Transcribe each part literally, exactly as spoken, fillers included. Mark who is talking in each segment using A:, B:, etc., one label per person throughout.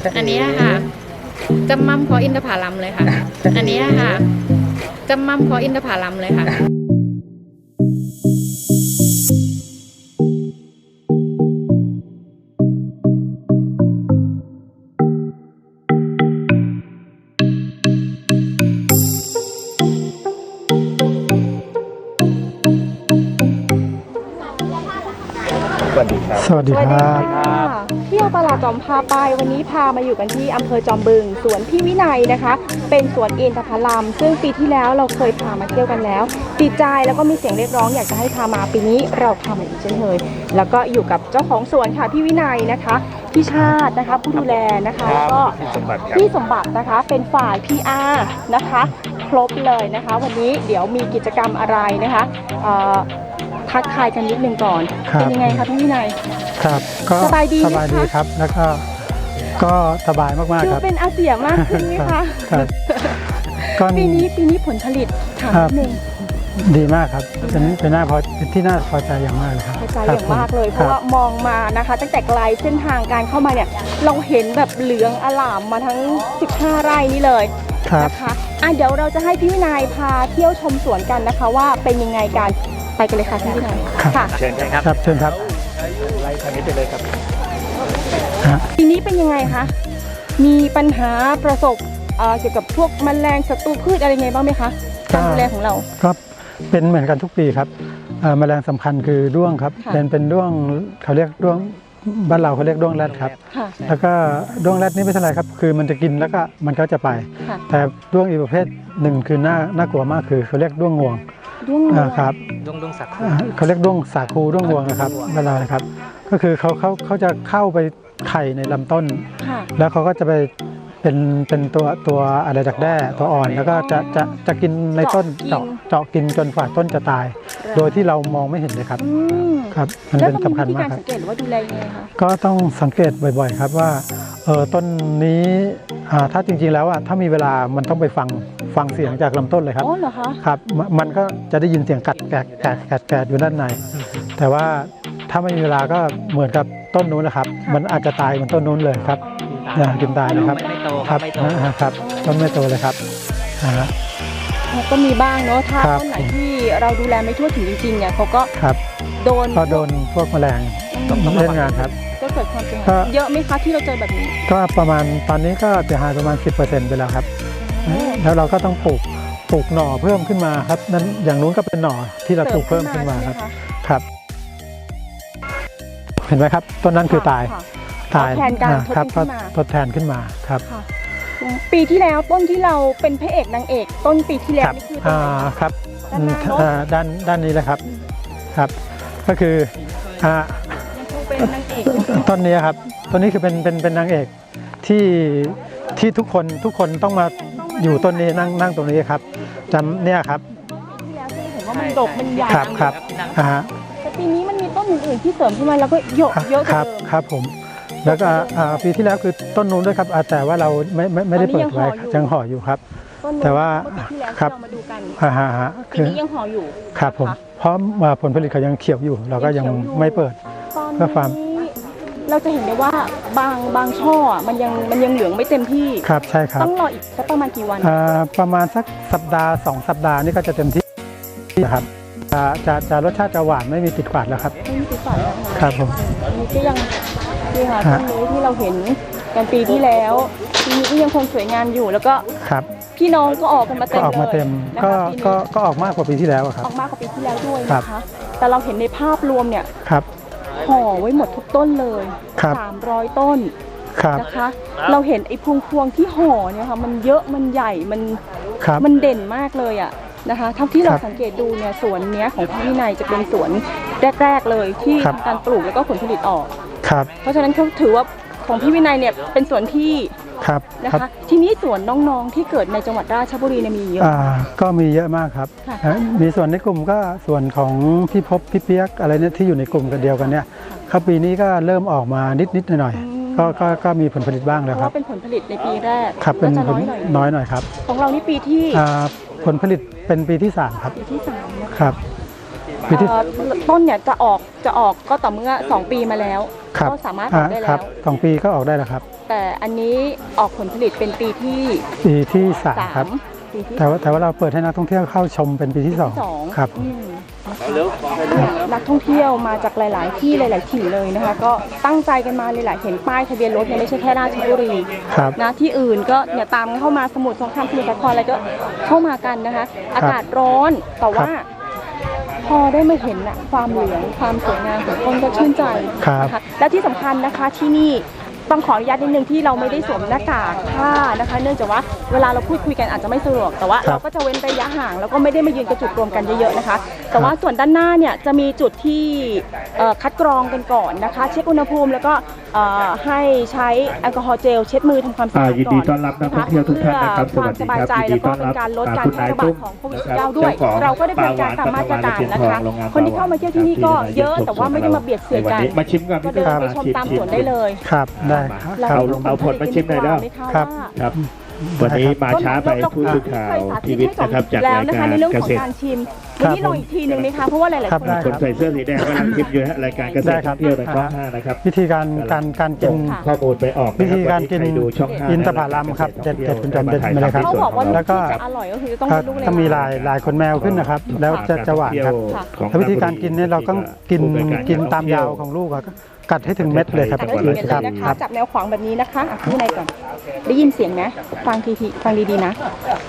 A: อันนี้ค่ะจำมั่มเพราะอินทผลัมเลยค่ะ อันนี้ค่ะจำมั่มเพราะอินทผลัมเลยค่ะ
B: สวัสดีครับ
C: สวัสดีครับ
D: เที่ยวตลาดจอมพาไปวันนี้พามาอยู่กันที่อำเภอจอมบึงสวนพี่วินัยนะคะเป็นสวนอินทผลัมซึ่งปีที่แล้วเราเคยพามาเที่ยวกันแล้วติดใจแล้วก็มีเสียงเรียกร้องอยากจะให้พามาปีนี้เราพามาอีกเช่นเคยแล้วก็อยู่กับเจ้าของสวนค่ะพี่วินัยนะคะพี่ชาตินะคะผู้ดูแลนะคะแล้วก็พี่สมบัตินะคะเป็นฝ่าย พี อาร์ นะคะครบเลยนะคะวันนี้เดี๋ยวมีกิจกรรมอะไรนะคะทักทายกันนิดนึงก่อนเป็นยังไงคะพี่วินัย
C: ครับก็
D: สบายดี
C: สบายดีครับแล้วก็ก็สบายมากๆครับ
D: เป็นอาเซียมากขึ้นไหมคะปีนี้ปีนี้ผลผลิตถามนิดนึง
C: ดีมากครับเป็นเป็นหน้าพอที่น่าพอใจอย่างมากเลยครับ
D: พอใจอย่างมากเลยเพราะว่ามองมานะคะตั้งแต่ไกลเส้นทางการเข้ามาเนี่ยเราเห็นแบบเหลืองอลามมาทั้งสิบห้าไร่นี่เลยนะคะอ่ะเดี๋ยวเราจะให้พี่วินัยพาเที่ยวชมสวนกันนะคะว่าเป็นยังไงกันไปกันเลยค่ะพี่วินัย
C: ค่ะ
B: เชิญครับ
C: ครับเชิญครับ
B: ไล่ทางนี้ไปเลยครับ
D: ปีนี้เป็นยังไงคะมีปัญหาประสบเกี่ยวกับพวกแมลงศัตรูพืชอะไรไงบ้างไหมคะการดูแลของเรา
C: ก็เป็นเหมือนกันทุกปีครับแมลงสำคัญคือด้วงครับเป็นเป็นด้วงเขาเรียกด้วงบ้านเราเขาเรียกด้วงแรดครับแล้วก็ด้วงแรดนี่ไม่เท่าไรครับคือมันจะกินแล้วก็มันก็จะไปแต่ด้วงอีกประเภทหนึ่งคือน่าน่ากลัวมากคือเขาเรียกด้วงงวง
D: ด้วงงวง
C: ครับ
B: ด้วงด้วงสาคู
C: เขาเรียกด้วงสาคูด้วงงวงนะครับเวลานะครับก็คือเขาเขาเขาจะเข้าไปไข่ในลำต้นแล้วเขาก็จะไปเป็นเป็นตัวตัวอะไรดักแด้ตัวอ่อนแล้วก็จะจะจะกินในต้นเจาะเจาะกินจนฝ่าต้นจะตายโดยที่เรามองไม่เห็นเลยครับครับมันเป็นสำคัญมากครับ
D: สังเกตว่าดูแลยังไงคะ
C: ก็ต้องสังเกตบ่อยๆครับว่าเออต้นนี้ถ้าจริงๆแล้วอ่ะถ้ามีเวลามันต้องไปฟังฟังเสียงจากลำต้นเลยครับ
D: อ๋อเหรอคะ
C: ครับมันก็จะได้ยินเสียงกัดแกะแกะแกะแกะอยู่ด้านในแต่ว่าถ้าไม่มีเวลาก็เหมือนกับต้นนู้นนะครับมันอาจจะตายเหมือนต้นนู้นเลยครับกินตายนะครับครับครับต้นไม่โตเลยครับ
D: ก็มีบ้างเนาะถ้าต้นไหนที่เราดูแลไม่ทั่วถึงจริงๆเนี่ยเขาก็โดน
C: ก็โดนพวกแมลงเล่นงานครับ
D: ก็เกิดความเสียหายเยอะไหมคะที่เราเจอแบบนี้
C: ก็ประมาณตอนนี้ก็เสียหายประมาณ สิบเปอร์เซ็นต์ ไปแล้วครับแล้วเราก็ต้องปลูกปลูกหน่อเพิ่มขึ้นมาครับนั้นอย่างนู้นก็เป็นหน่อที่เราปลูกเพิ่มขึ้นมาครับครับเห็นไหมครับต้นนั้นคือตาย
D: ตายแทนการทดขึ้นมา
C: ทดแทนขึ้นมาครับ
D: ปีที่แล้วต้นที่เราเป็นพระเอกนางเอกต้นปีที่แล้วนี่คือต้นไหน
C: ครับด้านด้านนี้แหละครับครับก็คือต้นนี้ครับต้นนี้คือเป็นเป็นเป็นนางเอกที่ที่ทุกคนทุกคนต้องมาอยู่ต้นนี้นั่งนั่งตรงนี้ครับจำเนี่ยครับ
D: ที่แล้วที่เห็นว่ามันดกมันใหญ่
C: ครับครับ
D: แต่ปีนี้มันมีต้นอื่นๆที่เสริมขึ้นมาแล้วก็เยอะเยอะกว่าเดิม
C: ครับผมแล้วก็ปีที่แล้วคือต้นนู้นด้วยครับแต่ว่าเราไม่ไม่ไม่ได้เปิดไว้ยังห่ออยู่ครับแต่ว่าครับ
D: อ่าฮะปีนี้ยังห่ออยู่
C: ครับผมเพราะผลผลิตเขายังเขียวอยู่เราก็ยังไม่เปิดเพื่อฟาร์ม
D: เราจะเห็นได้ว่าบางบางช่อมันยังมันยังเหลืองไม่เต็มที่
C: ครับใช่ครับ
D: ต้องรออีกสักประมาณกี่วัน
C: ประมาณสักสัปดาห์สองสัปดาห์นี่ก็จะเต็มที่นะครับจะจะรสชาติจะหวานไม่มีติดฝาดแล้วครับ
D: ไม่มีติดฝาดแล้ว
C: ครับผม
D: นี่ก็ยังนี่ค่ะต้นนี้ที่เราเห็นกันปีที่แล้วปีนี้ก็ยังคงสวยงามอยู่แล้วก็
C: ครับ
D: พี่น้องก็ออกกันมาเต็มเลย
C: ออกมาเต็มก็ก็ก็ออกมากกว่าปีที่แล้วครับ
D: ออกมากกว่าปีที่แล้วด้วยนะคะแต่เราเห็นในภาพรวมเนี่ย
C: ครับ
D: ห่อไว้หมดทุกต้นเลยสามร้อยต้นนะคะเราเห็นไอ้พวงพวงที่ห่อเนี่ยค่ะมันเยอะมันใหญ่มันมันเด่นมากเลยอ่ะนะคะเท่าที่เราสังเกตดูเนี่ยสวนเนี้ยของพี่วินัยจะเป็นสวนแรกๆเลยที่ทำการปลูกแล้วก็ผลผลิตออกเพราะฉะนั้นเขาถือว่าของพี่วินัยเนี่ยเป็นสวนที่นะคะทีนี้สวนน้องๆที่เกิดในจังหวัดราชบุรีเนี่ยมีเยอะ
C: ก็มีเยอะมากครับมีส่วนในกลุ่มก็ส่วนของพี่พบพี่เปียกอะไรเนี่ยที่อยู่ในกลุ่มกันเดียวกันเนี่ยครับปีนี้ก็เริ่มออกมานิดๆหน่อยๆก็ก็ก็มีผลผลิตบ้างแล้วครับ
D: เป็นผลผลิตในปีแรก
C: ครับเป็นน้อยหน่อยครับ
D: ของเรานี่ปีที่
C: ผลผลิตเป็นปีที่สามครับ
D: ปีที่สาม
C: ครับวิธี
D: เอ่อต้นเนี่ยจะออกจะออกก็ต่อเมื่อสองปีมาแล้ว
C: ครับ
D: ก็สามารถออกได้
C: ค
D: แล้
C: รับ
D: ว
C: สองปีก็ออกได้แล้วครับ
D: แต่อันนี้ออกผลผลิตเป็นปีที่
C: ปีที่สาม
D: สา
C: ครับ
D: มปีที่
C: แต่ว่าแต่ว่าเราเปิดให้นักท่องเที่ยวเข้าชมเป็นปีที่สอง
D: สอง
C: ครับ
D: อืมเนี่ยนักท่องเที่ยวมาจากหลาย ๆ ที่หลาย ๆ ถิ่นเลยนะคะ ก็ตั้งใจกันมาเลยแหละเห็นป้ายทะเบียนรถเนี่ยไม่ใช่แค่ราชบุรี
C: ครับ
D: นะที่อื่นก็เนี่ยตามเข้ามาสมุทรสงครามสมุทรสาครอะไรก็เข้ามากันนะคะ อากาศร้อนแต่ว่า พอได้มาเห็นอะความเหลืองความสวยงามของต้นก็ชื่นใจ
C: ครับ
D: นะคะและที่สำคัญนะคะที่นี่ต้องขออนุญาตนิดนึงที่เราไม่ได้สวมหน้ากากผ้านะคะ เนื่องจากว่าเวลาเราพูดคุยกันอาจจะไม่สะดวกแต่ว่า
C: ครับ
D: เราก็จะเว้นระยะห่างแล้วก็ไม่ได้มายืนกระจุกรวมกันเยอะๆนะคะ แต่ว่าส่วนด้านหน้าเนี่ยจะมีจุดที่เอ่อคัดกรองกันก่อนนะคะ เช็คอุณหภูมิแล้วก็เอ่อให้ใช้แอลกอฮอล์เจลเช็ดมือทำความสะอาด
E: อ่ายิน
D: ก่
E: ดี
D: อน
E: ต้อนรับนักท่องเที่ยวทุกท่านนะครับ
D: เพื่อความสบายใจ
E: สวัสดี
D: แล้ว
E: ครั
D: ก็
E: บ
D: เป็นการลด
E: อ่า
D: การ
E: คุณ
D: แพร่
E: นาย
D: ระบา
E: ตุ้
D: ด
E: ม
D: ของโควิด
E: นะครับ
D: สิบเก้าด้วย
E: เจ้าของ
D: เราก็ได้บริการตามมาตรการนะคะ
E: โรงงาน
D: คนที่เข้ามาเที่ยวที่นี่ก็เยอะแต่ว่าไม่ได้มาเบียดเสียดกัน
E: มาชิมกัน
D: ก็เดินไปชมตามสวนได้เลย
C: ครับได้ครับ
E: เอาเอาผลมาชิมหน่อยได้
C: ครับ
E: ครับ วันนี้มาช้าไปผู้สื่อข่าวพีวิทย์นะครับจาก
D: แล้ว
E: ราย
D: นะคะ
E: การ
D: ในเรื่อง
E: เก
D: ของ
E: ษตร
D: การชิมวันนี้ลองอีกทีหนึ่งไหมคะเพราะว่าหลายๆ
C: ครับ
D: คน
C: ได้
E: คนใส่เสื้อสีแดงกำลังชิมอยู่ฮะรายการเกษตรท่องเที่ยวในช่องห้านะครับ
C: วิธีการการการกิน
D: ค่ะ
E: ข้อมูลไปออก
C: วิธีการกิน
E: ใคดูช่องห้า
C: อินทผลัมครับเด็ดเด็ดคุณจอมเด็ดมาเลยครับ
D: เขาบอกว่าลู
C: แล้
D: ก
C: วก็
D: ที่จะอร่อยก็คือต้อง
C: ก็
D: เป็นลูกเลย
C: ต้องมีลายลายขนแมวขึ้นนะครับ แล้วจะจะหวานครับ
E: ของ
C: แล้ววิธีการกินเนี่ยเราต้องกินกินตามยาวของลูกอะกัดให้ถึงเม็ดเลยครับ
D: แต่ก็ถึงเม็ดเลยนะ
C: ค
D: คะ
C: รับ
D: จับแนวขวางแบบนี้นะคะอ่ะข้างในก่อนได้ยินเสียงไหมฟังทีทีฟังดีๆนะ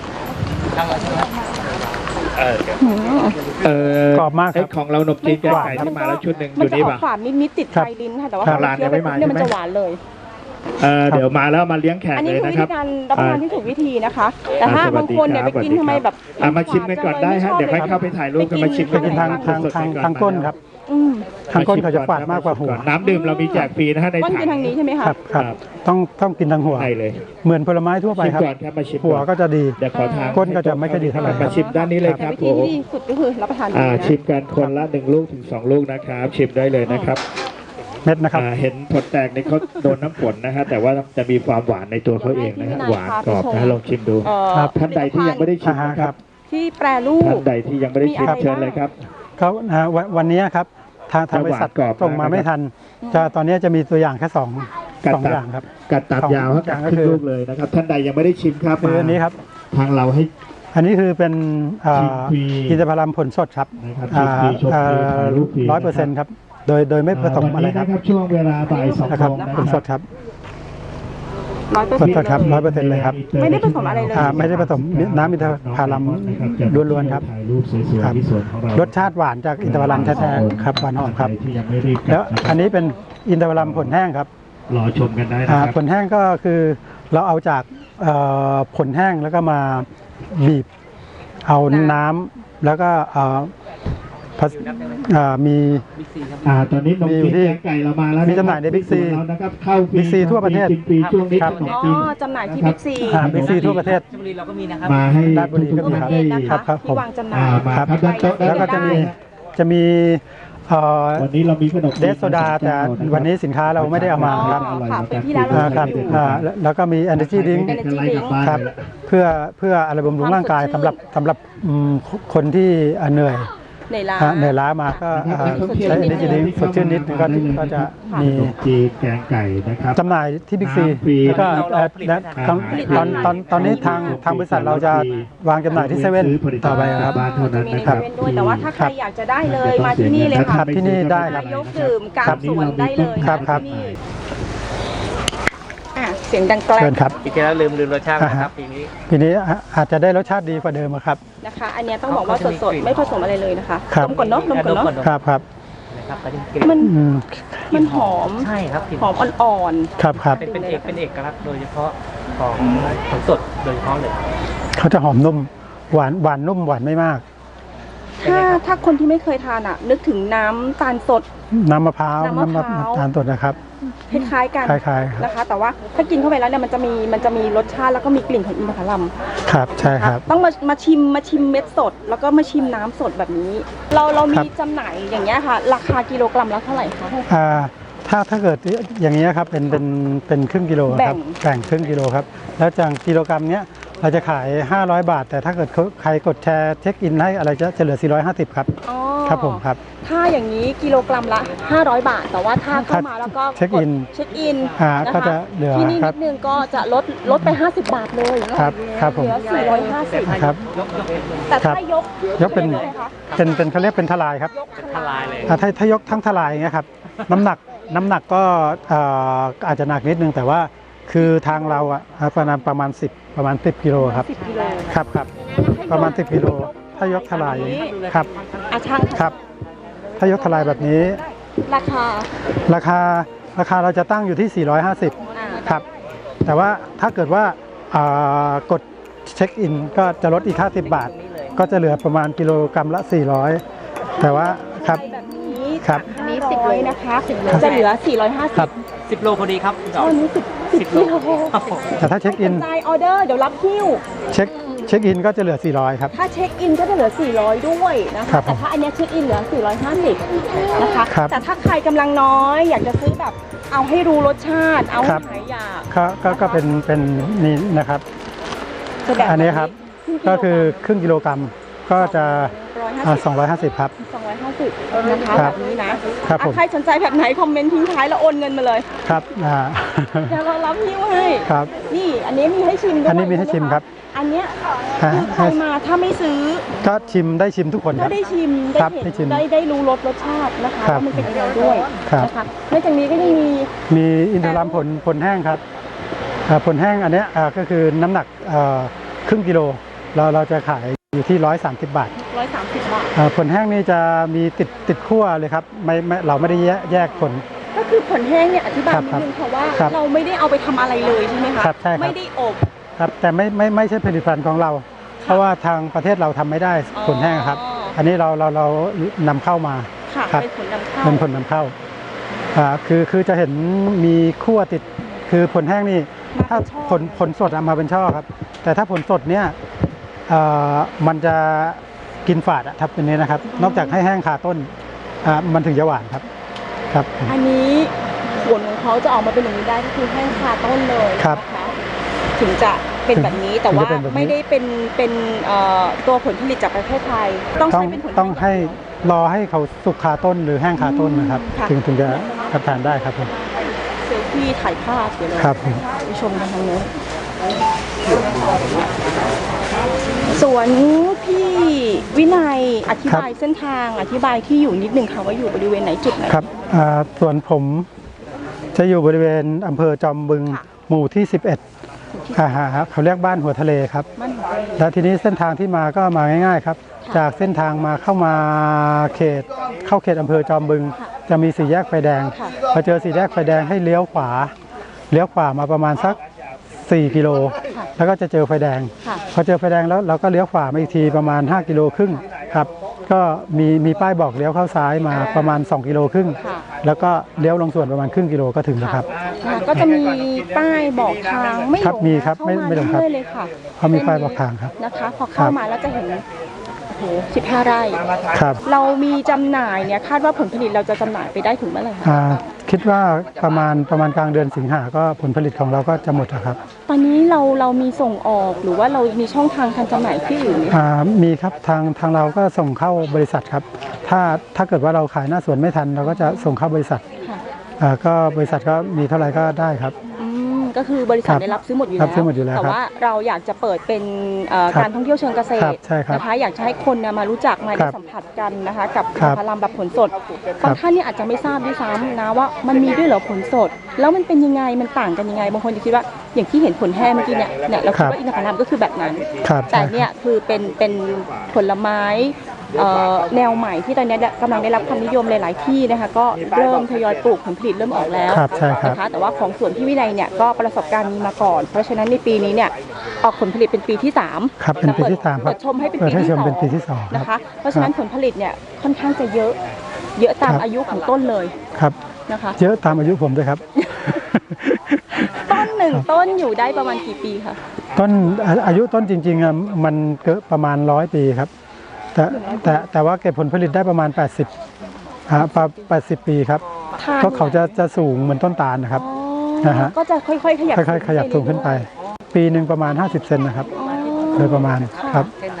E: เออ
D: หืม
E: เออก
C: รอบมากครับ
E: เอ้ยของเราหนมจีนแกงไก่ที่มาแล้วชุดหนึ่งอ
D: มัน
E: ยู่
D: จะ
E: นี่
D: ออ
E: ป่ะ
D: กฝาดนิดๆติด
C: ครับ
D: ไฟลิ้นค่ะแต่ว่า
E: ครับ
D: พอเคี้ยวไปปุ๊บเนี่ยมันจะหวานเลย
E: เออเดี๋ยวมาแล้วมาเลี้ยงแขก
D: อันนี้
E: เลย
D: คือ
E: นะ
D: วิ
E: ครั
D: ธี
E: บ
D: การรับประทานที่ถูกวิธีนะคะ แต่
E: อ่า
D: ถ้า
E: สวั
D: บา
E: ส
D: ง
E: ดี
D: คนเนี่ย
E: ค
D: ไป
E: รับ
D: กิน
E: สวัสดี
D: ทำไมแบบ
E: อ่ะมาชิมกันก่อนได้ฮะเดี๋ยวให้เข้าไปถ่ายรูปกันมาชิม
C: ไปกินทางทางทางทางก้นครับ
D: อืม
C: ทางก้นเขาจะฝาดมากกว่าหัว
E: น้ำดื่มเรามีแจกฟรีนะฮะใน
D: ก้น
E: ถั
D: กินทางนี้ใช่ไหมคะ
C: ครับครับต้องต้องกินทางหัว
E: ใช่เลย
C: เหมือนผลไม้ทั่วไป
E: ชิม
C: ครับ
E: ก่อนครับมาชิม
C: หัว
E: ก่อน
C: ก็จะดี
E: เดี๋ยวขอทาง
C: ก้นก็จะไม่ค่อยดีเท่าไหร่
E: มาชิมด้านนี้เลยค
D: แต่
E: รับ
D: วิ
E: ผ
D: ธี
E: ม
D: ที่ดีสุดก็คือรับประทาน
E: อ่า
D: ดีนะ
E: ชิมกันคนละหนึ่งลูกถึงสองลูกนะครับ ชิมได้เลยนะครับ
C: เม็ดนะครับ
E: อ่าเห็นผลแตกในเขาโดนน้ำฝนนะฮะแต่ว่าจะมีความหวานในตัวเขาเองนะฮะหวานกรอบนะลองชิมดู
D: เอ่อ
C: ครับ
E: ท่านใดที่ยังไม่ได้ชิมนะค
C: ครั
E: รับ
C: บ
D: ที่แปรรู
E: ท่า
D: ป
E: นใดที่ยังไม่ได้ชิม
D: มีอะไร
E: เชิญ
D: บ้าง
E: เลยครับ
C: เขาอ่าวันวันนี้ครับทางทางบริษัท
E: จะหวานกรอบ
C: ส่งมาไม่ทันจะตอนนี้จะมีตัวอย่างแค่สองสองอย่างครับ
E: กัดตัดยาวครับ
C: สองอย่าง
E: กัดครึ่
C: ก็คือ
E: งลูกเลยนะครับ ท่านใดยังไม่ได้ชิมครับ
C: คืออันนี้ครับ
E: ทางเราให้
C: อันนี้คือเป็นอ่า
E: ชิมฟรี
C: อินทผลัมผลสดครับ
E: นะครับชิมฟรีชมฟรีถ่ายรูปฟรี
C: ร้อยเปอร์เซ็นต์ครับโดยโดยไม่ผสมอะไรครับ
E: วันนี้นะครับช่วงเวลาบ่ายสอง
C: นะครับ
E: โมงนะ
C: ผลสดครับ
D: ร้อยเปอร์
C: ผ
D: เซ็
C: ล
D: นต์
C: สดครับร้อยเปอร์เซ็นต์เลยครับ
D: ไม่ได้ผสมอะไรเลย
C: อ่าไม่ได้ผสมน้ำอินทผลัมล้วนๆครับ
E: ถ่ายรูปสวย
C: ครับ
E: ๆที่สวนของเรา
C: รสชาติหวานจากอินทผลัมแท้ๆครับหวานหอมครับ
E: ท่านใดที่ยังไม่รีบก
C: แล้ว
E: ะครับ
C: อันนี้เป็นอินทผลัมผลแห้งครับ
E: รอชมกันได้นะ
C: อ่า
E: ครับ
C: ผลแห้งก็คือเราเอาจากเอ่อผลแห้งแล้วก็มาบีบ เอาน้ำแล้วก็เอ่อผสอ่ามี
E: อ่าตอนนี้นม
C: มี
E: จีน
C: ที่
E: แกงไก่เรามาแล้ว
C: มีจำหน่ายใน Big C
E: แล้วนะครับเข้าฟรี
C: Big C ทั่วประเทศ
E: กินฟรีช่วงนี้
C: ครับ
E: ขนม
D: อ๋อ
E: จีน
D: จำหน่ายที่บิ๊กซี
C: อ่าบิ๊กซีทั่วประเทศ
F: ชลบุรีเราก็มีนะครับ
E: มาให้
C: ราชบุรีก็มี
D: ทั่วประเทศนะ
C: ครั
D: คะ
C: บครับผม
D: ที่วางจำหน่า
E: อ่าย มาครับด้านโต๊ะด้าน
C: แล้วก็จะมีจะมีเอ่อ
E: วันนี้เรามีขนมจีน
C: เดสโซดาแต่วันนี้สินค้าเราไม่ได้เอามาครับ
D: อ๋อค่ะเป็นที่ร้าน
C: อ่า
D: เรา
C: ครับอ่าแล้วแล้วก็มี Energy Drink
E: เด็กๆไล่กลับบ้าน
C: ครับ
E: เลยละ
C: เพื่อเพื่ออะไรบำรุงร่างกายสำหรับสำหรับอืมคนที่อ่าเหนื่อย
D: ในร้าน
C: อ่าเหนื่อยล้ามาก็อ่าใช้ Energy Drink สดชื่นนิดนึงก็ก็จะ
E: ข
C: มี
E: นมจีนแกงไก่นะครับ
C: จำหน่ายที่บิ๊กซี
E: น้ำฟรี
C: แล้วก็
F: เรา
C: เอ่อ
F: ผลิต
C: และ
F: นะครับ
C: ตอนตอนตอนตอนนี้ทางทางบริษัทเราจะวางจำหน่ายที่เซเว่นต่อไปครับ
E: บ้านเท่านั้น
D: มีใน
E: นะครับ
D: เซเว่นด้วยแต่ว่าถ้าใคร
C: ครับ
D: อยากจะได้เลยมาที่นี่เลย
C: ครั
D: ค่ะ
C: บที่นี่ได้ครับ
D: นายกดื่มกลางสวนได้เลย
C: ครับครับ
D: ที่นี่อ่ะเสียงดังแกล
C: เชิญครับ
F: ปีที่แล้วลืมลืมรสชาตินะครับปีนี้
C: ปีนี้อ่ะอาจจะได้รสชาติดีกว่าเดิมอะครับ
D: นะคะ อันเนี้ยต้องบอกว่าสดๆไม่ผสมอะไรเลยนะคะ
C: ครับ
D: ดมก่อนเนาะดมก่อนเนาะ
F: ดมก่อน
C: ครับครับ
F: นะครับก็จะกลิ่น
D: มัน
C: อืม
D: มันหอม
F: ใช่ครับกลิ่น
D: หอมอ่อน
C: ครับครับ
F: เป็นเป็นเอกเป็นเอกลักษณ์โดยเฉพาะของผลสดโดยเฉพาะเลย
C: เขาจะหอมนุ่มหวานหวานนุ่มหวานไม่มาก
D: ๆถ้าถ้าคนที่ไม่เคยทานอ่ะ นึกถึงน้ำตาลสด
C: น้ำมะพร้าว
D: น้ำมะพร้าว
C: น้ำตาลสดนะครับ
D: คล้ายๆกัน
C: คล้ายๆครับ
D: นะคะ แต่ว่าถ้ากินเข้าไปแล้วเนี่ยมันจะมีมันจะมีรสชาติแล้วก็มีกลิ่นของอินทผลัม
C: ครับใช่ครับ
D: ต้องมามาชิมมาชิมเม็ดสด แล้วก็มาชิมน้ำสดแบบนี้ เราเรามี
C: ครับ
D: จำหน่ายอย่างเงี้ยค่ะ ราคากิโลกรัมละเท่าไหร่คะ
C: อ่าถ้าถ้าเกิดอย่างนี้ยครับเป็นเป็นเป็นครึ่งกิโลครับ
D: แบ่ง
C: แบ่งครึ่งกิโลครับแล้วจากกิโลกรัมเนี้ยเราจะขายห้าร้อยบาท แต่ถ้าเกิดเขาใครกดแชร์เช็คอินให้อะไรจะจะเหลือสี่ร้อยห้าสิบครับ
D: อ๋อ
C: ครับผมครับ
D: ถ้าอย่างนี้กิโลกรัมละห้าร้อยบาท แต่ว่าถ้าเข้ามาแล้วก็
C: เช็คอิน
D: กดเช็คอิน
C: อ่า
D: นะคะ
C: ก็จะเหลือ
D: ที่นี่
C: ครั
D: นิ
C: บ
D: ดนึงก็จะลดลดไปห้าสิบบาทเลย
C: ครับครับผม
D: เหลือสี่ร้อยห้าสิบ
C: ครับ
D: แต่ถ้ายก
C: ยกเป็น
D: ลยคะ
C: เป็นเป็นเขาเรียกเป็นทลายครับ
D: ยก
F: ทลายเลย
C: อ่าถ้าถ้ายกทั้งทลายอย่างเงี้ยครับน้ำหนักน้ำหนักก็เอ่ออาจจะหนักนิดนึงแต่ว่าคือทางเราอ่ะประมาณประมาณสิบประมาณสิบกิโลครับ
D: สิบกิโล
C: ครับครับประมาณสิบกิโลถ้ายกทลายครับ
D: อาช่าง
C: ครับ ถ้ายกทลายแบบนี้
D: ราคา
C: ราคาราคาเราจะตั้งอยู่ที่ สี่ร้อยห้าสิบ
D: อ่า
C: ครับแต่ว่าถ้าเกิดว่าอ่ากดเช็คอินก็จะลดอีกห้าสิบบาท ก็จะเหลือประมาณกิโลกรัมละ สี่ร้อย แต่ว่าครับ
D: แบบนี้
C: ครับ
D: ห้าร้อยนะคะจะเหลือสี่ร้อยห้า
C: ค
D: สิ
C: รั
D: บบ
F: สิบโลพอดีครับคุณจอ
D: ต
F: ม
D: อนนี้สิบ
F: สิบโล
D: กิโล
F: ครับผม
C: แต่ถ้าเช็คอิน
D: จ่ายออเดอร์เดี๋ยวรับคิว
C: เช็คเช็คอินก็จะเหลือ สี่ร้อย ครับ
D: ถ้าเช็คอินก็จะเหลือ สี่ร้อย ด้วยนะ
C: ครั
D: คะ
C: บ
D: แต่ถ้าอันเนี้ยเช็คอินเหลือ สี่ร้อยห้าสิบ นะคะ
C: ครับ
D: แต่ถ้าใครกำลังน้อยอยากจะซื้อแบบเอาให้รู้รสชาติ เอา
C: ค
D: ให้
C: รับ
D: หายอยาก
C: ก็ก็ก็เป็นเป็นนี่นะครับ
D: จะแบบ
C: อันนี้ครับก็คือครึ่งกิโลกรัมก็จะ
D: ร้อยห้า
C: อ่า
D: สิบ
C: สองร้อยห้าสิบครับ
D: สองร้อยห้าสิบนะคะ
C: ค
D: แบ
C: รับบ
D: นี้นะครับ
C: ผม
D: อ่ะใครสนใจแบบไหนคอมเมนต์ทิ้งท้ายแล้วโอนเงินมาเลย
C: ครับอ่า
D: เดี๋ยวเรารับหิ้วให้
C: ครับ
D: นี่อันนี้มีให้ชิมด้วย
C: อันนี้มีให้ชิมครับ
D: อันเนี้ย
C: อ่า
D: คือใครมาถ้าไม่ซื้อ
C: ก็ชิมได้ชิมทุกคนค
D: ก็
C: รับ
D: ได้ชิมได้
C: ครับ
D: เห็น
C: ได้ชิม
D: ได้ได้รู้รสรสชาตินะคะ
C: ครับ
D: ว่ามันเป็นยังไงด้วย
C: ครับ
D: นะคะนอกจากนี้ก็ยังมี
C: มีอินทผลัมผลผลแห้งครับอ่าผลแห้งอันเนี้ยอ่าก็คือน้ำหนักเอ่อครึ่งกิโลเราเราจะขายอยู่ที่ร้อยสามสิบบาท
D: ร้อยสามสิบบาท
C: อ่าผลแห้งนี่จะมีติดติดขั้วเลยครับไม่ไม่เราไม่ได้แยกแยกผล
D: ก็คือผลแห้งเนี่ยอธิบาย
C: ครับ
D: นิดนึงค่ะว่า
C: ครับ
D: เราไม่ได้เอาไปทำอะไรเลยใช่ไหมคะ
C: ครับใช่ครับ
D: ไม่ได้อบ
C: ครับแต่ไม่ไม่ไม่ใช่ผลิตภัณฑ์ของเรา เพราะว่าทางประเทศเราทำไม่ได้
D: อ๋อ
C: ผลแห้งครับ อันนี้เราเราเรานำเข้ามา
D: ค่ะ
C: ครับ
D: เป็นผลนำเข้า
C: เป็นผลนำเข้าอ่าคือคือจะเห็นมีขั้วติดคือผลแห้งนี่
D: มา
C: ถ้า
D: เป็นช่อ
C: ผลผลสดเอามาเป็นช่อครับ แต่ถ้าผลสดเนี่ยเอ่อมันจะกินฝาดอะทับเป็นนี้นะครับ นอกจากให้แห้งคาต้นอ่ามันถึงจะหวานครับครับ
D: อันนี้ผลของเขาจะออกมาเป็นอย่างนี้ได้ก็คือแห้งคาต้นเลย
C: ครับ
D: นะคะถึงจะเป็นแบบนี้แต่
C: ถึง
D: ว่า
C: จะเป็นแบบนี้
D: ไม่ได้เป็นเป็นเอ่อตัวผลผลิตจากประเทศไทย ต้อง
C: ต้อง
D: ใช้เป็นผลผลิต
C: ต้องให้รอให้เขาสุกคาต้นหรือแห้งคาต้นนะครับ
D: ค่ะ
C: ถึงถึงจะรับทานได้ครับผม
D: เซลฟี่ถ่ายภาพเดี๋ยวเลย
C: ครับผม
D: ไปชมกันทางนู้นสวนพี่วินัยอธิบายเส้นทางอธิบายที่อยู่นิดหนึ่งค่ะว่าอยู่บริเวณไหนจุดไหน
C: ครับอ่าส่วนผมจะอยู่บริเวณอำเภอจอมบึง
D: ค่ะ
C: หมู่ที่ สิบเอ็ดอ่าฮะเขาเรียกบ้านหัวทะเลครับ
D: มันหัวใจ
C: แล้วทีนี้เส้นทางที่มาก็มาง่ายๆครับ จากเส้นทางมาเข้ามาเขตเข้าเขตอำเภอจอมบึง จะมีสี่แยกไฟแดง
D: ค่ะ
C: พอเจอสี่แยกไฟแดงให้เลี้ยวขวาเลี้ยวขวามาประมาณสักสี่กิโล
D: ค่ะ
C: แล้วก็จะเจอไฟแดง
D: ค่ะ
C: พอเจอไฟแดงแล้วเราก็เลี้ยวขวามาอีกทีประมาณห้ากิโลครึ่งครับ ก็มีมีป้ายบอกเลี้ยวเข้าซ้ายมาประมาณสองกิโลครึ่ง
D: ค่ะ
C: แล้วก็เลี้ยวลงสวนประมาณครึ่งกิโลก็ถึงแล้วครับ
D: ค่ะก็จะมีป้ายบอกทางไม่หล
C: ครับ
D: ง
C: มีครับไม่
D: เข้าา
C: ไม่หลงครับ
D: เรื่อยๆเลยค่ะ
C: เขามีป้ายบอกทางครับ
D: นะคะ พอ
C: ค
D: เข้า
C: รับ
D: มาแล้วจะเห็นโอ้โหสิบห้าไร่
C: ครับ
D: เรามีจำหน่ายเนี่ยคาดว่าผลผลิตเราจะจำหน่ายไปได้ถึงเมื่อไหร่คะ
C: อ่าคิดว่าประมาณประมาณกลางเดือนสิงหาก็ผลผลิตของเราก็จะหมดแล้วครับ
D: ตอนนี้เราเรามีส่งออกหรือว่าเรามีช่องทางการจำหน่ายที่อื่นไหมคะ
C: อ่ามีครับทางทางเราก็ส่งเข้าบริษัทครับ ถ้าถ้าเกิดว่าเราขายหน้าสวนไม่ทัน เราก็จะส่งเข้าบริษัท
D: ค่ะ
C: อ่าก็บริษัทก็มีเท่าไหร่ก็ได้ครับ
D: อืมก็คือบริษัท
C: ครับ
D: ได้รับซื้อหมดอยู่
C: รั
D: แล้
C: บซื้อหมดอยู่แล้ว
D: แต่
C: ครับ
D: ว่าเราอยากจะเปิดเป็นเอ่อ
C: ครับ
D: การท่องเที่ยวเชิงเกษ
C: ครั
D: ต
C: บ
D: ร
C: ใช่ครับ
D: นะคะอยากจะให้คนเนี่ยมารู้จักมา
C: ค
D: ได้
C: รับ
D: สัมผัสกันนะคะ กับ
C: ครับ
D: พารามแบบผลสด
C: ครับ
D: บางท่านเนี่ยอาจจะไม่ทราบด้วยซ้ำนะว่ามันมีด้วยเหรอผลสด แล้วมันเป็นยังไงมันต่างกันยังไงบางคนจะคิดว่าอย่างที่เห็นผลแห้งเมื่อกี้เนี่ยเนี่ยเราคิดว่าอินทผลัมก็คือแบบนั้น
C: ครับ
D: แต่
C: ใช่
D: เนี่ยคือเป็นเป็นผลไม้เอ่อแนวใหม่ที่ตอนนี้กำลังได้รับความนิยมหลาย ๆ ที่นะคะก็เริ่มทยอยปลูกผลผลิตเริ่มออกแล้ว
C: ครับใช่ครับ
D: นะคะแต่ว่าของสวนพี่วินัยเนี่ยก็ประสบการณ์มีมาก่อน เพราะฉะนั้นในปีนี้เนี่ยออกผลผลิตเป็นปีที่สาม
C: ครับเป็นปีที่สามครับ
D: เปิดชมให้เป็น
C: เปิ
D: ปี
C: ดให้
D: ที่
C: ช
D: ส
C: ม
D: อง
C: เป็นปีที่สองครับ
D: นะคะเพราะฉะนั้นผลผลิตเนี่ยค่อนข้างจะเยอะ เยอะตาม
C: ครับ
D: อายุของต้นเลย
C: ครับ
D: นะคะ
C: เยอะตามอายุผมด้วยครับ
D: ต้นหนึ่งต้นอยู่ได้ประมาณกี่ปีคะ
C: ต้นอาอายุต้นจริงๆอ่ะมันเกินประมาณร้อยปีครับ แต่แต่แต่ว่าเก็บผลผลิตได้ประมาณ แปดสิบอ่าประแปดสิบปีครับ
D: ทาน
C: ก็เขาจะจะสูงเหมือนต้นตาลนะครับ
D: อ๋อ
C: นะฮะ
D: ก็จะค่อยๆขยับ
C: ค่อยๆขยับสูงขึ้นไป ปีหนึ่งประมาณ ห้าสิบเซนนะครับ
D: อ๋อ
C: โดยประมาณครับ
D: ค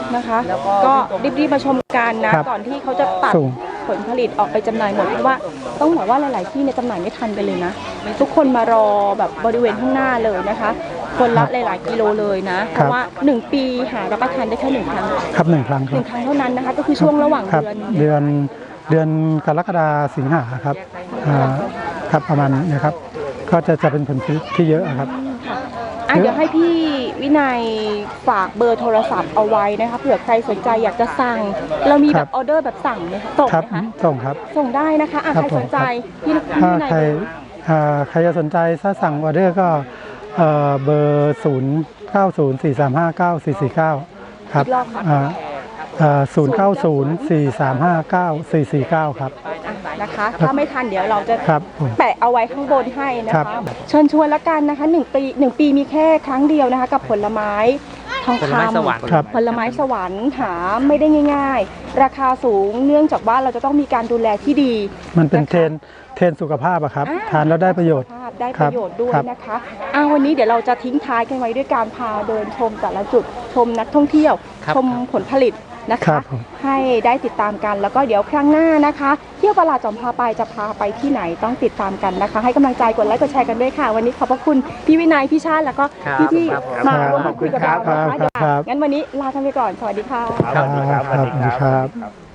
D: นะคะ ก็รีบๆมาชมกันนะครับ ก่อนที่เขาจะตัด
C: สูง
D: ผลผลิตออกไปจำหน่ายหมดเพราะว่าต้องบอกว่าหลาย ๆ ที่เนี่ยจำหน่ายไม่ทันไปเลยนะทุกคนมารอแบบบริเวณข้างหน้าเลยนะคะ คนละหลาย ๆ กิโลเลยนะเพราะว่าหนึ่งปีหารับประทานได้แค่หนึ่งครั้ง
C: ครับหนึ่งครั้งค
D: ห
C: รั
D: นึ่
C: บ
D: งครั้งเท่านั้นนะคะก็คือช่วงระหว่าง
C: ครับ
D: เดือน
C: เดือนเดือนกรกฎาสิงหาครับอ่าครับประมาณนี้ครับ ก็จะจะเป็นผลผลิตที่เยอะครับ
D: อ่ะเดี๋ยวให้พี่วินัยฝากเบอร์โทรศัพท์เอาไว้นะคะเผื่อใครสนใจอยากจะสั่ง เรามี
C: ค
D: แบ
C: รับบ
D: ออเดอร์แบบสั่งไหมคะส่ง
C: ครับ
D: ไหมคะ
C: ส่งครับ
D: ส่งได้นะคะอ่ะ
C: ครับ
D: ใคร
C: ผม
D: สนใจพี่พี่
C: ถ้า
D: วินัย
C: ใครอ่าใครจะสนใจถ้าสั่งออเดอร์ก็เอ่อเบอร์ศูนย์เก้าศูนย์สี่สามห้าเก้าสี่สี่เก้าครับ
D: อีกรอบค่ะ
C: อ่าอ่าศูนย์เก้าศูนย์สี่สามห้าเก้าสี่สี่เก้าครับ
D: นะคะ ถ้าไม่ทันเดี๋ยวเราจะ
C: ครับผม
D: แปะเอาไว้ข้างบนให้นะ
C: ครั
D: คะ
C: บ
D: เชิญชวนละกันนะคะหนึ่งปีหนึ่งปีมีแค่ครั้งเดียวนะคะ กับผลไม้ทอง
F: ผล
D: คำ
F: ไม้สวรรค์
C: ครับ
D: ผลไม้สวรรค์หาไม่ได้ง่าย ๆ ราคาสูงเนื่องจากว่าเราจะต้องมีการดูแลที่ดี
C: มันเป็น
D: นะคะ
C: เทรนเทรนสุขภาพอะครับ
D: อ่า
C: ทานแล้วได้ประโยชน์
D: ภาพได้
C: ค
D: ป
C: รับ
D: ระโยชน์ด้วย
C: ครับ
D: นะคะอ่าวันนี้เดี๋ยวเราจะทิ้งท้ายกันไว้ด้วยการพาเดินชมแต่ละจุดชมนักท่องเที่ยว
F: ครับ
D: ชมผลผลิตนะ
C: ครั
D: คะ
C: บผม
D: ให้ได้ติดตามกันแล้วก็เดี๋ยวครั้งหน้านะคะ เที่ยวประหลาดจอมพาไปจะพาไปที่ไหนต้องติดตามกันนะคะ ให้กำลังใจกดไลค์กดแชร์กันด้วยค่ะ วันนี้ขอบพระคุณพี่วินัยพี่ชาติแล้วก็
F: ครับ
D: พี่ที่
F: ครับ
D: มา
C: ครับ
D: ร่วมพูดคุยกับเรานะ
C: ครั
D: คะ
C: บ
D: เดี๋ยว
C: ครับ
D: งั้นวันนี้ลาท่านไปก่อนสวัสดีค่ะ
B: สวัสดีครับ
C: สวัสดีครับ
B: ครับ